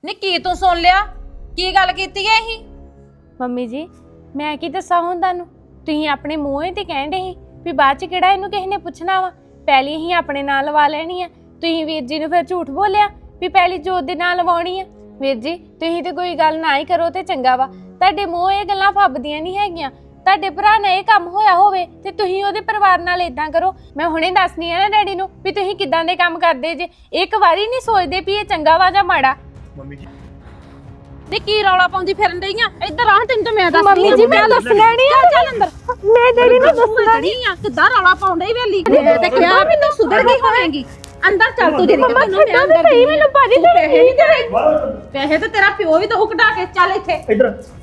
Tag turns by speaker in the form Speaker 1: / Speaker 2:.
Speaker 1: ਨੀ ਕੀ ਤੂੰ ਸੁਣ ਲਿਆ? ਕੀ ਗੱਲ ਕੀਤੀ ਐ ਇਹ?
Speaker 2: ਮੰਮੀ ਜੀ ਮੈਂ ਕੀ ਦੱਸਾਂ ਹੁਣ ਤੁਹਾਨੂੰ? ਤੁਸੀਂ ਆਪਣੇ ਮੂੰਹੋਂ ਹੀ ਤੇ ਕਹਿੰਦੇ ਸੀ ਵੀ ਬਾਅਦ ਚ ਕਿਹੜਾ ਇਹਨੂੰ ਕਿਸੇ ਨੇ ਪੁੱਛਣਾ ਵਾ, ਪਹਿਲੀ ਹੀ ਆਪਣੇ ਨਾਲ ਲਵਾ ਲੈਣੀ ਆ। ਤੁਸੀਂ ਵੀਰ ਜੀ ਨੂੰ ਫਿਰ ਝੂਠ ਬੋਲਿਆ ਵੀ ਪਹਿਲੀ ਜੋਤ ਦੇ ਨਾਲ ਲਵਾਉਣੀ ਆ। ਵੀਰ ਜੀ ਤੁਸੀਂ ਤੇ ਕੋਈ ਗੱਲ ਨਾ ਹੀ ਕਰੋ ਤੇ ਚੰਗਾ ਵਾ। ਤੁਹਾਡੇ ਮੂੰਹ ਇਹ ਗੱਲਾਂ ਫੱਬਦੀਆਂ ਨਹੀਂ ਹੈਗੀਆਂ। ਤੁਹਾਡੇ ਭਰਾ ਨਾਲ ਇਹ ਕੰਮ ਹੋਇਆ ਹੋਵੇ ਤੇ ਤੁਸੀਂ ਉਹਦੇ ਪਰਿਵਾਰ ਨਾਲ ਇਦਾਂ ਕਰੋ। ਮੈਂ ਹੁਣੇ ਦੱਸਣੀ ਆ ਨਾ ਡੈਡੀ ਨੂੰ ਵੀ ਤੁਸੀਂ ਕਿਦਾਂ ਦੇ ਕੰਮ ਕਰਦੇ ਜੇ। ਇੱਕ ਵਾਰੀ ਨਹੀਂ ਸੋਚਦੇ ਵੀ ਇਹ ਚੰਗਾ ਵਾ ਜਾਂ ਮਾੜਾ।
Speaker 3: ਮੰਮੀ ਜੀ
Speaker 1: ਨੀ ਕੀ ਰੌਲਾ ਪਾਉਂਦੀ ਫਿਰਨ ਡਈ ਆ? ਇੱਧਰ ਆ, ਤੈਨੂੰ ਤਾਂ ਮੈਂ ਦੱਸਦੀ
Speaker 2: ਮੰਮੀ ਜੀ ਮੈਂ ਦੱਸਣਾ ਨਹੀਂ ਆ।
Speaker 1: ਚੱਲ ਅੰਦਰ।
Speaker 2: ਮੈਂ ਡੈਡੀ ਨੂੰ ਦੱਸਣਾ
Speaker 1: ਨਹੀਂ ਆ। ਕਿੱਦਾਂ ਰੌਲਾ ਪਾਉਂਦੇ ਹੀ ਵੇਲੀ ਤੇ ਕਿਹਾ ਵੀ ਤੂੰ ਸੁਧਰ ਗਈ ਹੋਵੇਂਗੀ। ਅੰਦਰ ਚੱਲ ਤੂੰ ਜਿਹੜੀ
Speaker 2: ਮੰਮਾ ਛੱਡੋ ਤੇ ਸਹੀ ਮੈਨੂੰ ਭਾਜੀ
Speaker 1: ਪੈਸੇ ਨਹੀਂ ਦੇਣੇ। ਪੈਸੇ ਤਾਂ ਤੇਰਾ ਪਿਓ ਵੀ ਦਊ ਕਢਾ ਕੇ। ਚੱਲ ਇੱਥੇ
Speaker 3: ਇੱਧਰ